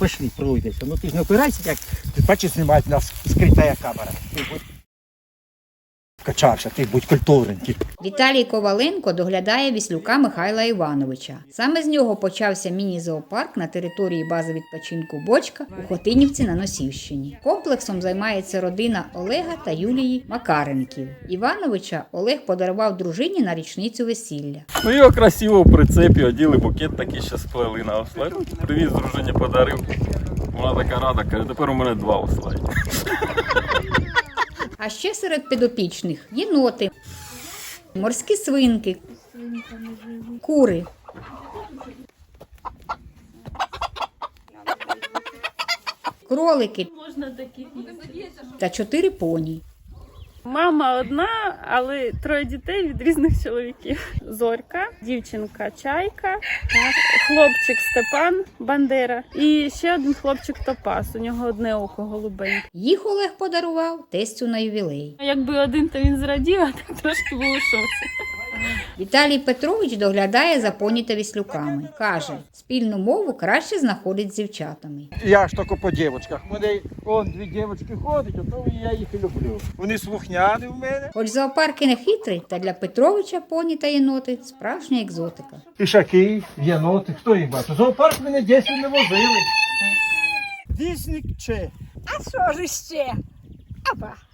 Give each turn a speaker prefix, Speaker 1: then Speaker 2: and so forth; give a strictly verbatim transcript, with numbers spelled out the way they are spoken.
Speaker 1: Пошли, пройдеться. Ну ти ж не опирайся, як ти бачиш, знімають нас скрита камера. Ти будь вкачався, ти будь культурненький.
Speaker 2: Віталій Коваленко доглядає Віслюка Михайла Івановича. Саме з нього почався міні-зоопарк на території бази відпочинку «Бочка» у Хотинівці на Носівщині. Комплексом займається родина Олега та Юлії Макаренків. Івановича Олег подарував дружині на річницю весілля.
Speaker 3: Ну його красиво в прицепі оділи, букет такий ще сплели на ослайні. Привіз дружині, подарив. Вона така рада, каже, тепер у мене два ослайні.
Speaker 2: А ще серед підопічних єноти, морські свинки, кури, кролики та чотири поні.
Speaker 4: Мама одна, але троє дітей від різних чоловіків. Зорька, дівчинка Чайка, хлопчик Степан Бандера і ще один хлопчик Топас. У нього одне око голубеньке.
Speaker 2: Їх Олег подарував тестю на ювілей.
Speaker 4: Якби один, то він зрадів, а так трошки був у шоці.
Speaker 2: Віталій Петрович доглядає за поні та віслюками. Каже, спільну мову краще знаходить з дівчатами.
Speaker 1: Я ж тільки по дівчатках. Мене он дві дівчатки ходять, то я їх і люблю. Вони слухняні в мене.
Speaker 2: Хоч зоопарк і не хитрий, та для Петровича поні та єноти – справжня екзотика.
Speaker 1: Ішаки, єноти, хто їх бачить? Зоопарк мене дійсно не возили. Вісник чи?
Speaker 5: А що ж ще? Апа.